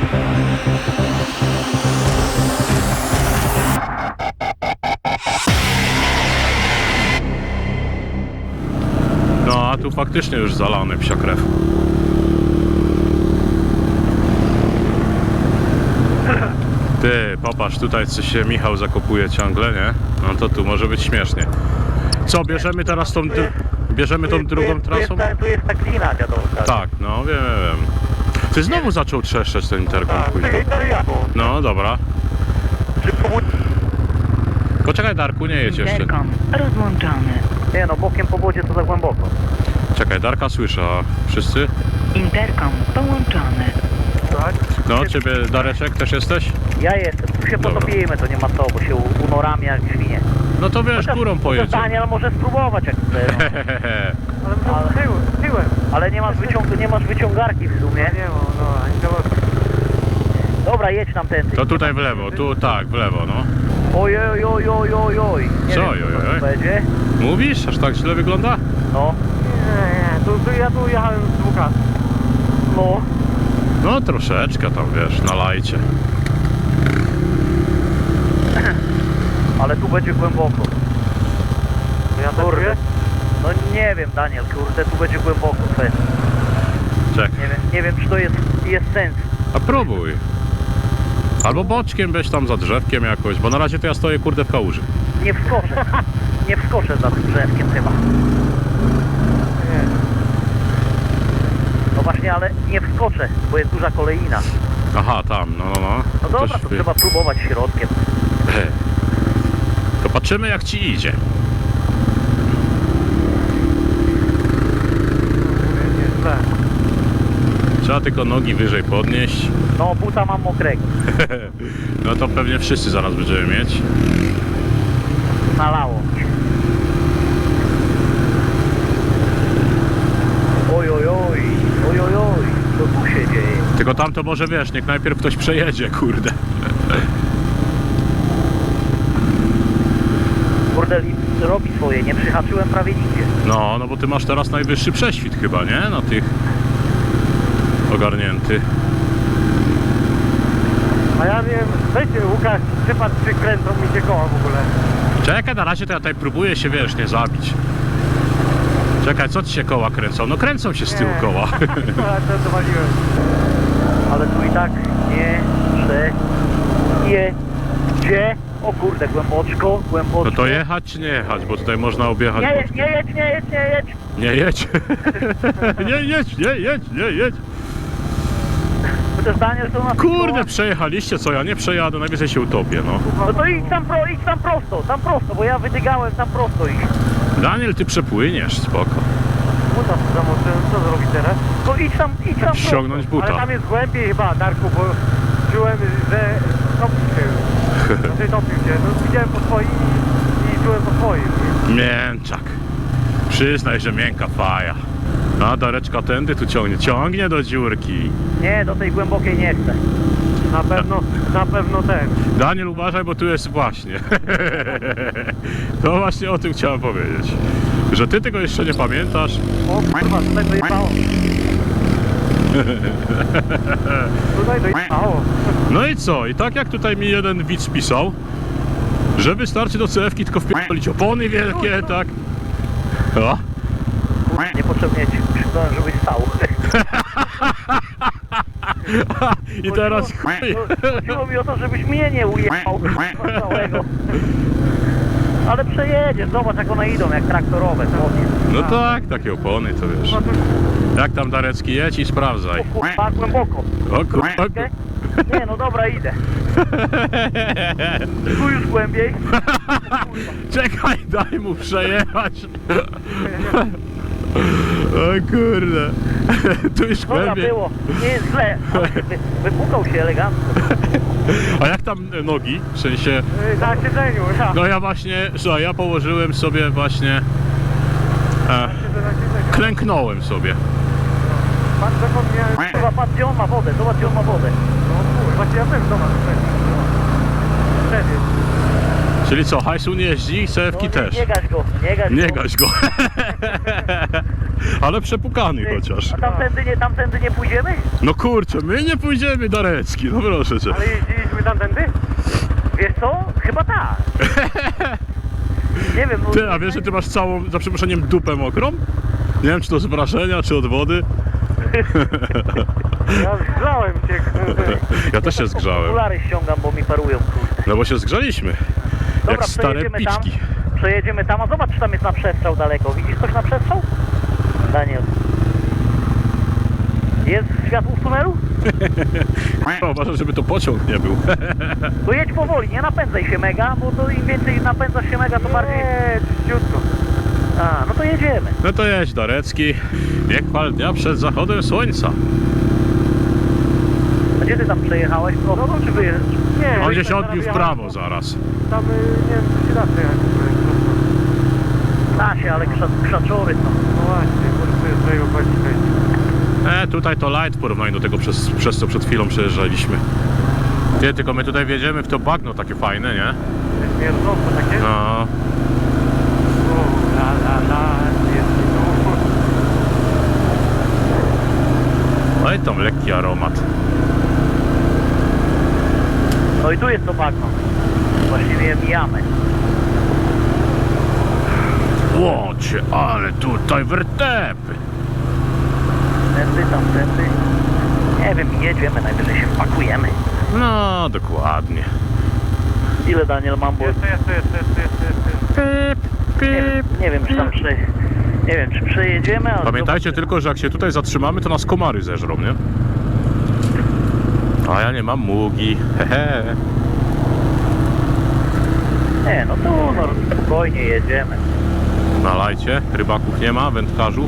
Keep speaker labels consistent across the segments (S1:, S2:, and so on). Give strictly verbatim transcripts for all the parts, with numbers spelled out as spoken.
S1: No a tu faktycznie już zalany psia krew. Ty, popatrz, tutaj co się Michał zakopuje ciągle, nie? No to tu może być śmiesznie. Co, bierzemy teraz tą, bierzemy tą drugą trasą?
S2: Tu jest ta glina dziadowska.
S1: Tak, no wiem, wiem. Ty znowu zaczął trzeszczeć ten interkom później. No dobra. Poczekaj Darku, nie jedź jeszcze.
S3: Interkom rozłączony.
S2: Nie no, bokiem po wodzie to za głęboko.
S1: Czekaj, Darka słyszę, a wszyscy?
S3: Interkom połączony.
S2: Tak?
S1: No, ciebie Dareczek też jesteś?
S2: Ja jestem, tu się
S1: Dobra.
S2: potopimy, to nie ma co, bo się unorami jak świnie.
S1: No to wiesz, górą pojedzie.
S2: Daniel może spróbować jak chce. No.
S4: Ale
S2: Ale-
S4: tyłem, tyłem.
S2: Ale nie masz, wyciąg nie masz wyciągarki w sumie.
S4: Nie mam, no, ani to...
S2: Dobra, jedź tam tędy.
S1: To tutaj w lewo, tu tak, w lewo, no.
S2: Oj, oj, oj, oj, oj, oj. Nie
S1: Co,
S2: wiem,
S1: oj,
S2: co
S1: oj, oj?
S2: to będzie.
S1: Mówisz? Aż tak źle wygląda?
S2: No,
S4: Nie, nie, tu, tu, ja tu jechałem z dwóch lat.
S2: no.
S1: No troszeczkę tam, wiesz, na lajcie.
S2: Ale tu będzie głęboko.
S4: To ja tak
S2: Kurde.
S4: czuję?
S2: No nie wiem, Daniel, kurde, tu będzie głęboko. Fest.
S1: Czek.
S2: Nie wiem, nie wiem, czy to jest, jest sens.
S1: A próbuj. Albo boczkiem weź tam za drzewkiem jakoś, bo na razie to ja stoję kurde w kałuży.
S2: Nie wskoczę. Nie wskoczę za tym drzewkiem chyba.
S4: Nie.
S2: No właśnie, ale nie wskoczę, bo jest duża kolejna.
S1: Aha, tam, no, no, no.
S2: No dobra,
S1: Coś
S2: to
S1: wy-
S2: trzeba próbować środkiem.
S1: To patrzymy jak ci idzie.
S4: Nie, źle.
S1: Trzeba tylko nogi wyżej podnieść.
S2: No, buta mam mokrego.
S1: No to pewnie wszyscy zaraz będziemy mieć.
S2: Nalało. Oj, oj, oj. Oj, oj, oj. Co tu się dzieje?
S1: Tylko tam to może wiesz, niech najpierw ktoś przejedzie, kurde.
S2: Kurde, lift robi swoje. Nie przyhaczyłem prawie nigdzie.
S1: No, no bo ty masz teraz najwyższy prześwit chyba, nie? Na tych ogarnięty.
S4: A ja wiem, weźcie Łukasz, przypadł przykręcą mi się koła w ogóle.
S1: Czekaj, na razie to ja tutaj próbuję się, wiesz, nie zabić. Czekaj, co ci się koła kręcą? No kręcą się z tyłu
S4: Nie.
S1: koła.
S4: A to dowaliłem.
S2: Ale tu i tak nie przejedzie. O kurde, głęboczko, głęboczko.
S1: No to jechać czy nie jechać, bo tutaj można objechać
S2: Nie jedź,
S1: boczkiem.
S2: nie jedź, nie jedź, nie jedź.
S1: Nie jedź. Nie jedź, nie jedź, nie jedź.
S2: Chociaż Daniel to na
S1: Kurde, przejechaliście, co ja nie przejadę, najwyżej się utopię, no.
S2: No to idź tam, pro, idź tam prosto, tam prosto, bo ja wydygałem tam prosto iść.
S1: Daniel, ty przepłyniesz, spoko.
S4: Buta zamoczyłem, co zrobić teraz?
S2: No idź tam, idź tam prosto.
S1: Ściągnąć
S4: Ale
S1: buta.
S4: tam jest głębiej chyba, Darku, bo czułem, że topił się już. Znaczy topił się, no widziałem po swoim i, i czułem po swoim.
S1: Mięczak. Przyznaj, że miękka faja. A Dareczka tędy tu ciągnie. Ciągnie do dziurki.
S2: Nie, do tej głębokiej nie chcę.
S4: Na pewno, na pewno ten.
S1: Daniel, uważaj, bo tu jest właśnie. To właśnie o tym chciałem powiedzieć. Że ty tego jeszcze nie pamiętasz.
S2: O kurwa, tutaj dojechało.
S4: Tutaj dojechało.
S1: No i co? I tak jak tutaj mi jeden widz pisał, że wystarczy do C F-ki tylko wpierdolić opony wielkie, tak? O.
S2: Kurwa, niepotrzebnie ci krzyknąłem, żebyś stał.
S1: I teraz chuj.
S2: Chodziło mi o to, żebyś mnie nie ujechał całego. Ale przejedziesz, zobacz jak one idą, jak traktorowe. Chłopie.
S1: No tak, takie opony to wiesz. Jak tam Darecki, jedź i sprawdzaj.
S2: O kurwa, głęboko.
S1: O kurwa.
S2: Nie, no dobra, idę. Tu już głębiej.
S1: Czekaj, daj mu przejechać. O kurde. Tu już
S2: Dobra,
S1: głębiej.
S2: było. Nie jest źle. Ale wy, wypukał się elegancko.
S1: A jak tam nogi? W sensie,
S4: Yy, Na siedzeniu, ja.
S1: no ja właśnie, że ja położyłem sobie właśnie, e,
S4: Siedzę na siedzeniu.
S1: klęknąłem sobie.
S4: Patrz dokąd miałem...
S2: Kurwa, patrz gdzie on ma wodę, zobacz gdzie on ma wodę.
S4: No kurwa, właśnie ja też zobacz. Wtedy.
S1: Czyli co, hajsu nie jeździ, sewki
S2: No, nie,
S1: też.
S2: nie gaś go, nie gaś
S1: Nie
S2: go.
S1: gaś go. Ale przepukany
S2: Ty,
S1: chociaż.
S2: A tamtędy nie, tamtędy nie pójdziemy?
S1: No kurczę, my nie pójdziemy do Recki, no proszę cię.
S4: Ale jeździliśmy tamtędy?
S2: Wiesz co? Chyba tak. Nie wiem, no...
S1: Ty, a wiesz, że ty masz całą, za przeproszeniem, dupę mokrą? Nie wiem, czy to z wrażenia, czy od wody.
S4: Ja zgrzałem cię.
S1: Ja też się zgrzałem.
S2: Okulary ściągam, bo mi parują, kurde.
S1: No bo się zgrzaliśmy.
S2: Dobra,
S1: Jak stare
S2: przejedziemy tam.
S1: piczki.
S2: Przejedziemy tam, a zobacz, czy tam jest na przestrzał daleko. Widzisz coś na przestrzał? Daniel. Jest światło w tunelu?
S1: Uważaj, żeby to pociąg nie był.
S2: To jedź powoli, nie napędzaj się mega, bo to im więcej napędzasz się mega, to bardziej...
S4: Nie, czyściutko.
S2: A, no to jedziemy.
S1: No to jedź do Recki. Bieg chwal dnia przed zachodem słońca.
S2: A gdzie ty tam przejechałeś? Prosto czy wyjeżdżasz?
S4: Nie,
S1: On
S4: już
S1: gdzieś
S4: tak
S1: odbił w
S4: zaraz
S1: prawo
S4: jechałem.
S1: zaraz.
S4: Tam, y, nie wiem, czy się da przejechać.
S2: Da się, ale krza, krzaczory są.
S4: No właśnie, może sobie z mojego chodzi.
S1: E, tutaj to light w porównaniu do tego, przez, przez co przed chwilą przejeżdżaliśmy. Ty, tylko my tutaj wjedziemy w to bagno takie fajne, nie?
S4: Jest mierząco takie?
S1: No.
S4: O, la, la, la, jest tu.
S1: No i tam lekki aromat.
S2: No i tu jest to bagno. Właściwie je mijamy.
S1: Łocie, ale tutaj wertepy.
S2: Tędy, tamtędy. Nie wiem, jedziemy, najwyżej się wpakujemy.
S1: No, dokładnie.
S2: Ile, Daniel, mam, bo
S4: Jeszcze, jeszcze, jeszcze, jeszcze, jeszcze, jeszcze.
S1: Pip,
S2: nie wiem,
S1: pip.
S2: nie wiem, czy tam prze... Nie wiem, czy przejedziemy, ale...
S1: Pamiętajcie
S2: zobaczymy.
S1: tylko, że jak się tutaj zatrzymamy, to nas komary zeżrą, nie? A ja nie mam mugi. Hehe.
S2: Nie, no tu, no spokojnie jedziemy.
S1: Na lajcie. Rybaków nie ma, wędkarzów.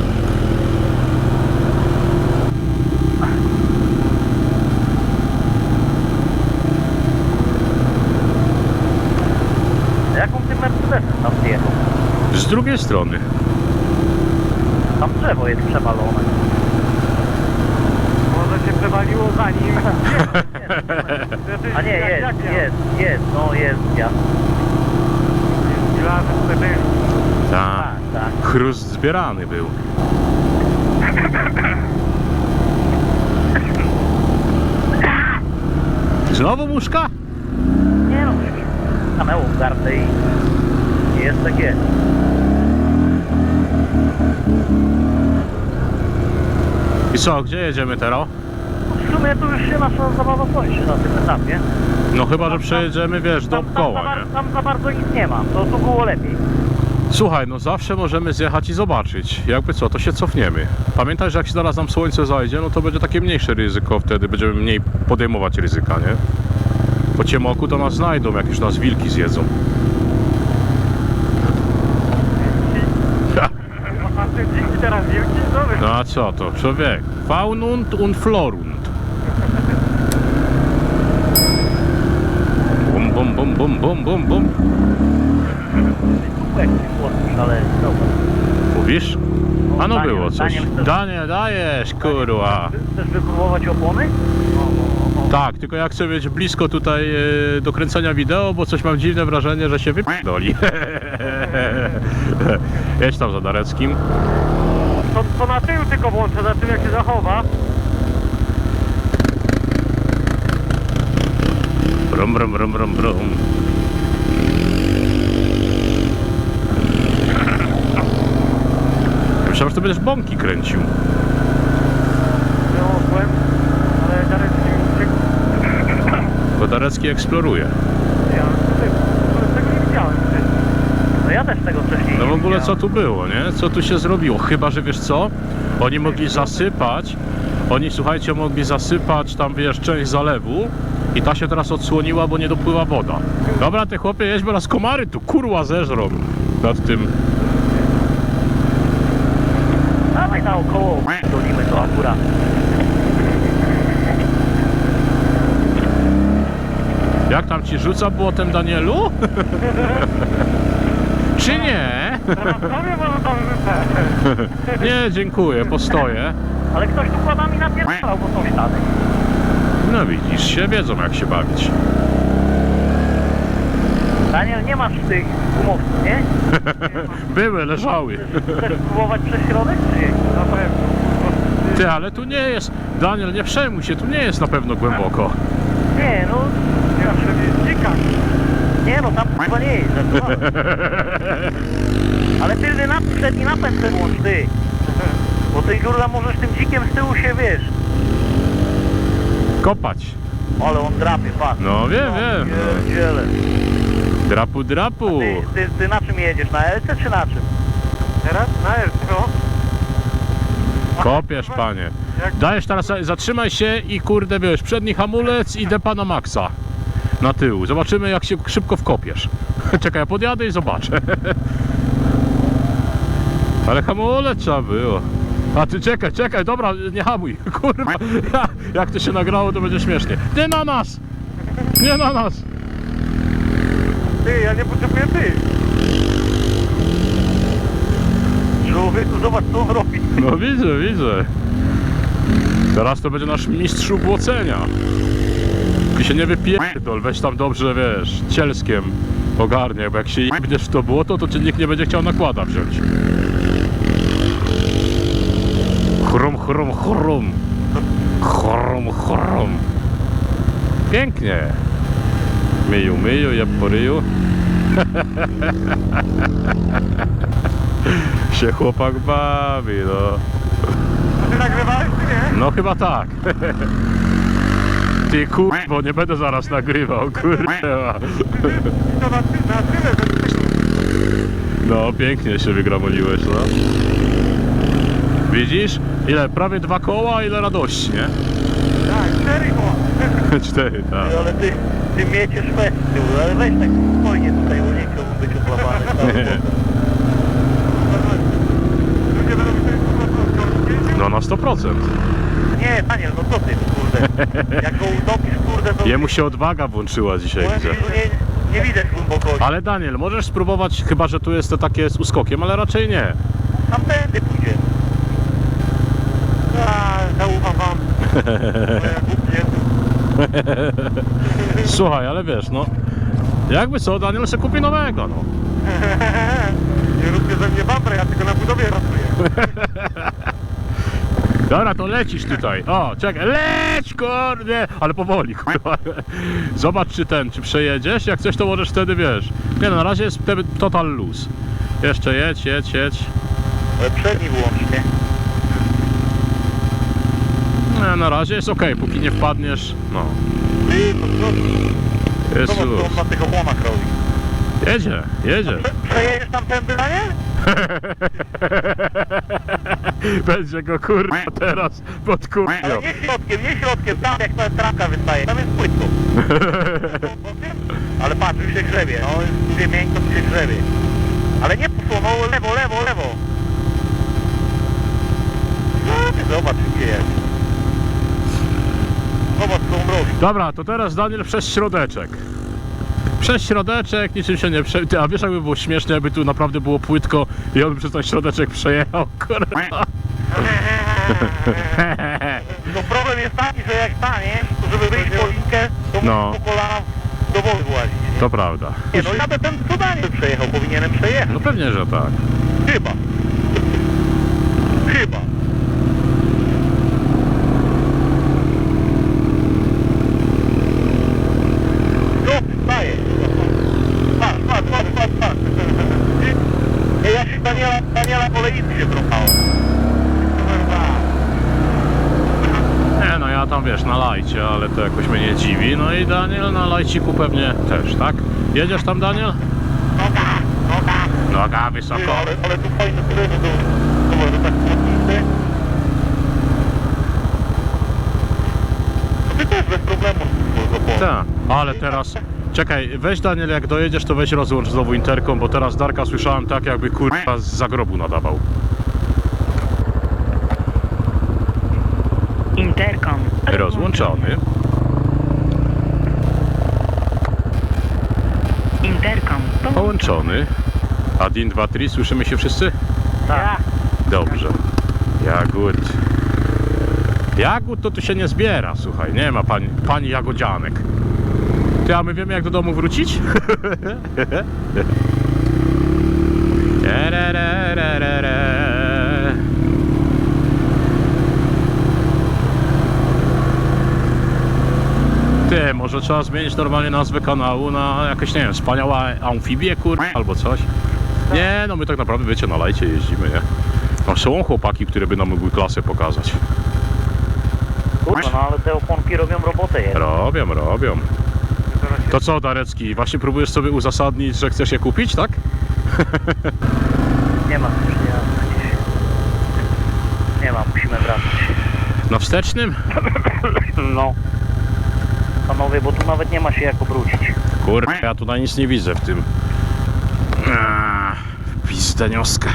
S2: Jaką ty Mercedesem tam zjechał?
S1: Z drugiej strony.
S2: Tam drzewo jest przewalone.
S4: Może się przewaliło za nim.
S2: A nie, jest, jest, jest, no jest, ja.
S4: Gilarzy tutaj byli.
S1: Tak.
S2: Tak, tak.
S1: Chrust zbierany był. Znowu muszka?
S2: Nie no, stanęło w gardę i jest tak jest.
S1: I co, gdzie jedziemy teraz?
S2: W sumie tu już się nasza zabawa kończy na tym etapie.
S1: No chyba, że przejedziemy, wiesz,
S2: Tam, tam, za,
S1: dookoła,
S2: bar-
S1: nie?
S2: tam za bardzo nic nie ma, to tu było lepiej.
S1: Słuchaj, no zawsze możemy zjechać i zobaczyć. Jakby co, to się cofniemy. Pamiętaj, że jak się zaraz nam słońce zajdzie, no to będzie takie mniejsze ryzyko, wtedy będziemy mniej podejmować ryzyka, nie? Po ciemoku to nas znajdą, jak już nas wilki zjedzą.
S4: A ty dzięki teraz wielki? Dobry.
S1: No a co to, człowiek? Faunund und florund. Bum, bum, bum, bum, bum, bum, bum.
S2: Tu jakiś chłopcy, ale dobra.
S1: Mówisz? A no
S2: Daniel,
S1: było coś.
S2: Daniel, chcesz-
S1: Daniel, dajesz, kurwa.
S2: Chcesz wypróbować opony?
S1: Tak, tylko ja chcę mieć blisko tutaj e, do kręcenia wideo, bo coś mam dziwne wrażenie, że się wypierdoli. Jedź tam za Dareckim.
S4: To, to na tył tylko włączę, za tym jak się zachowa.
S1: Brum, brum, brum, brum, brum. Myślałem, że to będziesz bąki kręcił.
S4: Nie mogłem, ale Darek się uciekł.
S1: Bo Darecki eksploruje.
S4: Ja tutaj, w ogóle tego nie widziałem wcześniej.
S2: No ja też tego wcześniej
S1: No w
S2: nie
S1: ogóle co
S2: widziałem.
S1: tu było, nie? Co tu się zrobiło? Chyba, że wiesz co? Oni mogli zasypać, oni słuchajcie, mogli zasypać tam, wiesz, część zalewu i ta się teraz odsłoniła, bo nie dopływa woda. Dobra, te chłopie, jeźdź, bo nas komary tu kurwa zeżrą nad tym.
S2: Dawaj naokoło, dolimy to akurat.
S1: Jak tam ci rzuca błotem, Danielu? Czy nie?
S4: Teraz sobie może tam rzucę.
S1: Nie, dziękuję, postoję.
S2: Ale ktoś tu kładami napierdalał, bo są ślady.
S1: No widzisz się, wiedzą jak się bawić.
S2: Daniel, nie masz tych gumowców, nie?
S1: Były, leżały.
S2: Chcesz spróbować przez środek, czy nie?
S4: Na pewno.
S1: Ty, ale tu nie jest, Daniel, nie przejmuj się, tu nie jest na pewno głęboko.
S2: Nie, no...
S4: Nie ma przynajmniej dzika.
S2: Nie no, tam chyba nie jest. żartowałem. Ale tylny napęd, przedni napęd ten włącz, ty. Bo ty, kurwa, możesz tym dzikiem z tyłu się, wiesz.
S1: Kopać.
S2: Ale on drapie, patrz.
S1: No wiem, wiem.
S2: Pierdziele.
S1: Drapu, drapu.
S2: Ty, ty, ty na czym jedziesz? Na L C czy na czym?
S4: Teraz? Na L, no.
S1: Kopiesz, panie.
S4: Jak
S1: Dajesz teraz, zatrzymaj się i kurde, wiesz, przedni hamulec i depa na maksa. Na tył. Zobaczymy, jak się szybko wkopiesz. Czekaj, ja podjadę i zobaczę. Ale hamulec trzeba było. A ty czekaj, czekaj, dobra, nie hamuj. Kurwa, ja, jak to się nagrało, to będzie śmiesznie. Nie na nas! Nie na nas!
S4: ty, ja nie potrzebuję ty.
S2: Człowieku, zobacz co on robi.
S1: No widzę, widzę. Teraz to będzie nasz mistrz ubłocenia. Ty się nie wypierdol, weź tam dobrze, wiesz, cielskiem ogarnie, bo jak się jebniesz w to błoto, to cię nikt nie będzie chciał nakłada wziąć. Chrum, chrum, chrum. Chrum, chrum. Pięknie. Myju, myju, jeb po ryju. Się chłopak bawi, no.
S4: A ty nagrywałeś czy nie?
S1: No chyba tak. Ty kurwo, nie będę zaraz nagrywał, kurwa.
S4: I to na, ty, na tyle, że...
S1: No pięknie się wygramoliłeś, no. Widzisz? Ile? Prawie dwa koła, ile radości, nie?
S4: Tak, cztery koła.
S1: Cztery, tak.
S2: Ale ty, ty mieciesz fest z tyłu, ale weź tak spokojnie tutaj, bo nie chciałbym być oplawany.
S4: Ludzie będą myśleli, że
S1: No na sto procent.
S2: Nie, Daniel, no co ty, kurde. Jak go utopisz, kurde, to...
S1: Jemu się odwaga włączyła dzisiaj,
S2: Powiem ci,
S1: widzę.
S2: że nie, nie widać głębokości.
S1: Ale Daniel, możesz spróbować, chyba że tu jest to takie z uskokiem, ale raczej nie.
S2: Tamtędy pójdzie.
S4: A, zaufam wam. Moja głupie.
S1: Słuchaj, ale wiesz, no. Jakby co, Daniel se kupi nowego, no.
S4: Nie róbcie ze mnie bumper, ja tylko na budowie pracuję.
S1: Dobra, to lecisz tutaj. O, czekaj, leć, kurde! Ale powoli, kurwa. Zobacz, czy ten, czy przejedziesz. Jak coś, to możesz wtedy, wiesz. Nie no, na razie jest wtedy total luz. Jeszcze jedź, jedź, jedź.
S2: Ale przedni wyłącznie.
S1: Nie, na razie jest ok, póki nie wpadniesz. No,
S2: Ty, to co?
S1: jest
S2: Zobacz, co on
S1: luz.
S2: na tych opłonach robi.
S1: Jedzie, jedzie.
S2: Prze- Przejedziesz tamtędy, Daniel?
S1: Będzie go kurwa teraz pod
S2: Ale
S1: kurwią.
S2: nie środkiem, nie środkiem, tam jak ta trawka wystaje, tam jest płytko. Ale patrz, już się grzebie, no jest miękko, to się grzebie. Ale nie poszło, no lewo, lewo, lewo. No, ty zobacz, gdzie jest. Zobacz, co on robi.
S1: Dobra, to teraz Daniel przez środeczek. Przez środeczek, niczym się nie prze... Ty, a wiesz, jakby było śmiesznie, jakby tu naprawdę było płytko i on by przez ten środeczek przejechał, kurwa.
S2: No problem jest taki, że jak stanie, to żeby wyjść po linkę, to
S1: No.
S2: musisz po kolana do wody włazić. nie?
S1: To prawda.
S2: Nie no, jadę ten co Daniel przejechał, powinienem przejechać.
S1: No pewnie, że tak.
S2: Chyba. Chyba. No, daję. Patrz, patrz, patrz, patrz, patrz. Ej, ja się Daniela, Daniela po lewicy się trochałem.
S1: Nie no, ja tam wiesz, na lajcie, ale to jakoś mnie nie dziwi. No i Daniel na lajciku pewnie też, tak? Jedziesz tam, Daniel?
S2: Noga, noga.
S1: Noga
S2: Ty,
S1: wysoko.
S2: ale, ale tu fajne tereny do... Dobra, to tak płotnicy. To ty też bez problemu.
S1: Tak, ale teraz... Czekaj, weź Daniel, jak dojedziesz, to weź rozłącz znowu interkom, bo teraz Darka słyszałem tak, jakby kurwa z zagrobu nadawał.
S3: Interkom
S1: Rozłączony.
S3: Interkom
S1: Połączony. Adin, dwa, trzy, słyszymy się wszyscy?
S2: Tak.
S1: Dobrze. Jagód. Jagód to tu się nie zbiera, słuchaj, nie ma pani, pani jagodzianek. Ty, a my wiemy jak do domu wrócić? Ty, może trzeba zmienić normalnie nazwę kanału na jakieś, nie wiem, wspaniała amfibię, kur... albo coś. Nie, no my tak naprawdę, wiecie, na lajcie jeździmy, nie? No są chłopaki, które by nam mogły klasę pokazać.
S2: Kurwa, no ale te oponki robią robotę jednak.
S1: Robią, robią.
S4: Zaraz się...
S1: To co, Darecki, właśnie próbujesz sobie uzasadnić, że chcesz je kupić, tak?
S2: Nie ma już, nie ma gdzieś. Nie ma, musimy wracać.
S1: Na wstecznym?
S2: No. Panowie, bo tu nawet nie ma się jak obrócić.
S1: Kurde, ja tutaj nic nie widzę w tym. Aaa, Pizdeniowska.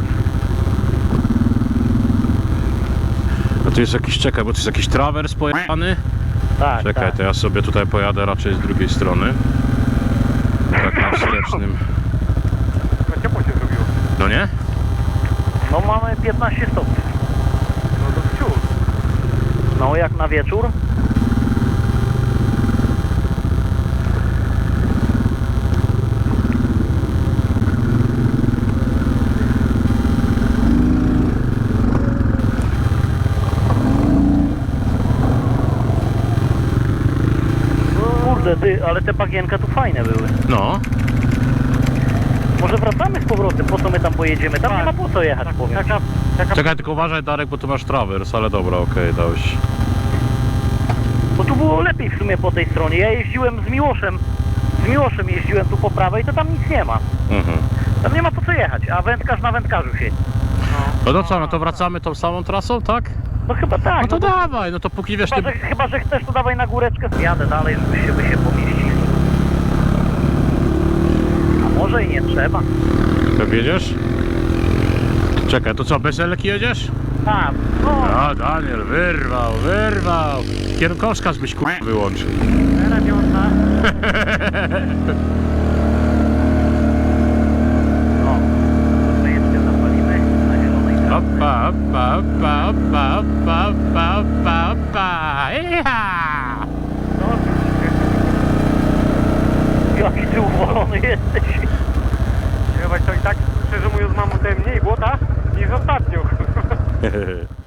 S1: No tu jest jakiś, czekaj, bo tu jest jakiś trawers pojechany.
S2: Tak,
S1: Czekaj,
S2: tak.
S1: to ja sobie tutaj pojadę raczej z drugiej strony. Tak na wstecznym.
S4: No ciepło się zrobiło.
S1: No nie?
S2: No mamy piętnaście stopni.
S4: No to wciąż.
S2: No jak na wieczór. Kurde ty, ale te bagienka tu fajne były.
S1: No.
S2: Może wracamy z powrotem, po co my tam pojedziemy? Tam
S4: Tak.
S2: nie ma po co jechać, powiem.
S4: Taka, taka...
S1: Czekaj, tylko uważaj, Darek, bo tu masz trawers, ale dobra, okej, dałeś.
S2: Bo tu było lepiej w sumie po tej stronie. Ja jeździłem z Miłoszem. Z Miłoszem jeździłem tu po prawej, to tam nic nie ma.
S1: Mhm.
S2: Tam nie ma po co jechać, a wędkarz na wędkarzu siedzi.
S1: No to co, no to wracamy tą samą trasą, tak?
S2: No chyba tak.
S1: No to
S2: no bo-
S1: dawaj, no to póki wiesz, ty...
S2: Chyba, że, chyba, że chcesz, to dawaj na góreczkę. Jadę dalej, żeby się, by się pomieścili. A może i nie trzeba.
S1: Jak jedziesz? Czekaj, to co, bez elki jedziesz?
S2: Tak, no.
S1: A, Daniel, wyrwał, wyrwał. Kierunkowskaz byś kur... wyłączył.
S2: Radiota. No. My jeszcze zapalimy na zielonej trawie.
S1: Opa, opa, opa, opa, opa, opa, opa, opa. Iha!
S2: Jaki ty uwolony jesteś.
S4: Chyba to i tak, szczerze mówiąc, mam tutaj mniej błota niż ostatnio.